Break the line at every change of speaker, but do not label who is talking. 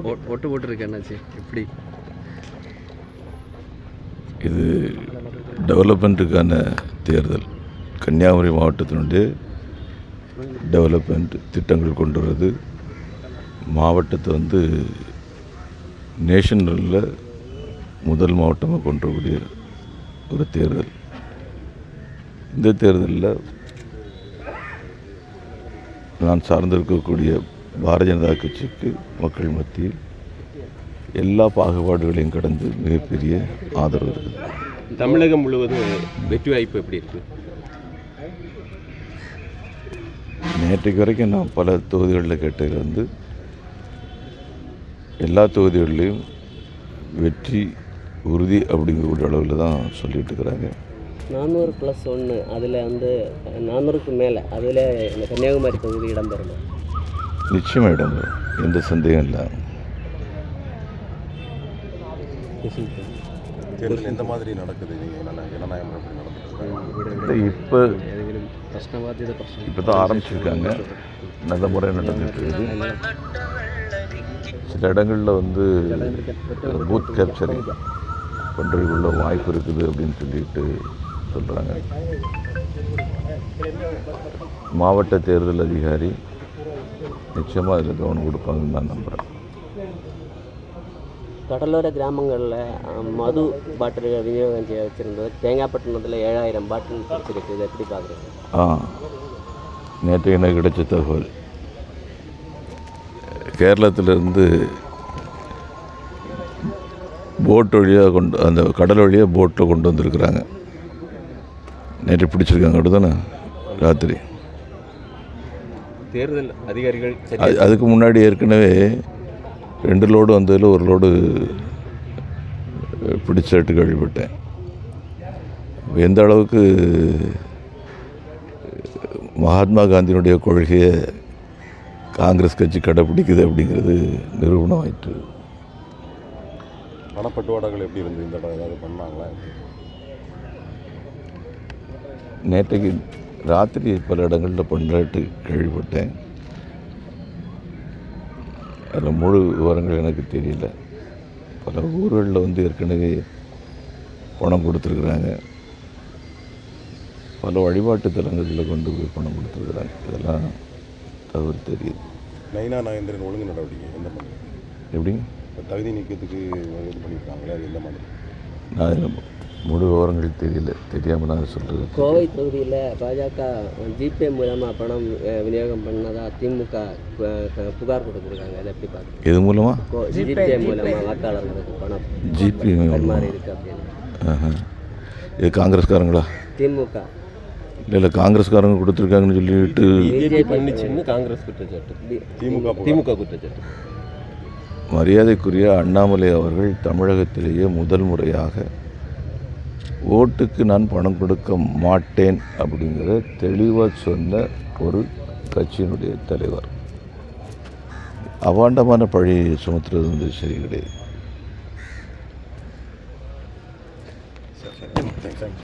ஒட்டு போட்டுருக்கு என்னாச்சு எப்படி
இது டெவலப்மெண்ட்டுக்கான தேர்தல். கன்னியாகுமரி மாவட்டத்தினுடைய டெவலப்மெண்ட் திட்டங்கள் கொண்டு வருது. மாவட்டத்தை நேஷனலில் முதல் மாவட்டமாக கொண்டு வரக்கூடிய ஒரு தேர்தல். இந்த தேர்தலில் நான் சார்ந்திருக்கக்கூடிய பாரதிய ஜனதா கட்சிக்கு மக்கள் மத்தியில் எல்லா பாகுபாடுகளையும் கடந்து மிகப்பெரிய ஆதரவு இருக்குது.
தமிழகம் முழுவதும் வெற்றி வாய்ப்பு எப்படி இருக்கு?
நேற்றைக்கு வரைக்கும் நான் பல தொகுதிகளில் கேட்டதில் எல்லா தொகுதிகளிலையும் வெற்றி உறுதி அப்படிங்கக்கூடிய அளவில் தான் சொல்லிட்டு இருக்கிறாங்க.
400+1 அதில் 400க்கு மேலே அதில் இந்த கன்னியாகுமரி தொகுதி இடம்பெறணும்.
நிச்சயமாக இடம்பெறும், எந்த சந்தேகம் இல்லை.
தேர்தல் எந்த மாதிரி நடக்குது? ஜனநாயகம் எப்படி நடக்குது?
இப்போ தான் ஆரம்பிச்சிருக்காங்க, நல்ல முறையாக நடந்துட்டு இருக்குது. சில இடங்களில் பூத் கேப்சரிங் பண்ணுறதுக்குள்ள வாய்ப்பு இருக்குது அப்படின்னு சொல்கிறாங்க. மாவட்ட தேர்தல் அதிகாரி நிச்சயமாக இதில் கவனம் கொடுப்பாங்கன்னு நான் நம்புகிறேன்.
கடலோர கிராமங்களில் மது பாட்டில்கள் விநியோகம் செய்ய வச்சுருந்தது. தேங்காய்பட்டினத்தில் 7000 பாட்டில் பிடிச்சிருக்கு. இதை எப்படி பார்க்குறீங்க?
நேற்று எனக்கு கிடைச்ச தகவல், கேரளத்திலேருந்து போட் வழியாக அந்த கடல் வழியாக போட்டில் கொண்டு வந்திருக்கிறாங்க. நேற்று பிடிச்சிருக்காங்க. அப்படிதானே? ராத்திரி
தேர்தல் அதிகாரிகள்
அதுக்கு முன்னாடி ஏற்கனவே 2 லோடு வந்ததில் 1 லோடு பிடிச்சிட்டு கேள்விப்பட்டேன். எந்த அளவுக்கு மகாத்மா காந்தியினுடைய கொள்கையை காங்கிரஸ் கட்சி கடைப்பிடிக்குது அப்படிங்கிறது நிரூபணம் ஆயிற்று.
பணப்பட்டுவாடாக்கள் எப்படி இருந்து இந்த இடம் ஏதாவது பண்ணாங்களா?
நேற்றைக்கு ராத்திரி பல இடங்களில் பண்ணுறாட்டு கேள்விப்பட்டேன். அதில் முழு விவரங்கள் எனக்கு தெரியல. பல ஊர்களில் ஏற்கனவே பணம் கொடுத்துருக்குறாங்க. பல வழிபாட்டு தலங்களில் கொண்டு போய் பணம் கொடுத்துருக்குறாங்க. இதெல்லாம் தகவல் தெரியுது.
நயினா நாகேந்திரன் ஒழுங்கு நடவடிக்கை எந்த மாதிரி?
எப்படி
தகுதி நீக்கத்துக்கு இது பண்ணியிருக்காங்களே, அது எந்த மாதிரி?
நான் முழு விவரங்கள் தெரியாமல் நான் சொல்கிறது.
கோவை தொகுதியில் பாஜக ஜிபே மூலமாக பணம் விநியோகம் பண்ணதாக திமுக புகார் கொடுத்துருக்காங்க. அதை எப்படி பார்க்குறீங்க?
எது மூலமாக?
ஜிபே மூலமாக வாக்காளர்களுக்கு பணம்
ஜிபே
மாதிரி இருக்குது அப்படின்னு.
இது காங்கிரஸ்காரங்களா?
திமுக
இல்லை காங்கிரஸ்காரங்க கொடுத்துருக்காங்கன்னு சொல்லிட்டு
பண்ணிச்சுன்னு காங்கிரஸ் குற்றச்சாட்டு,
திமுக
குற்றச்சாட்டு.
மரியாதைக்குரிய அண்ணாமலை அவர்கள் தமிழகத்திலேயே முதல் முறையாக ஓட்டுக்கு நான் பணம் கொடுக்க மாட்டேன் அப்படிங்கிறத தெளிவாக சொன்ன ஒரு கட்சியினுடைய தலைவர். அவாண்டமான பழி சுமத்துறது சரி கிடையாது.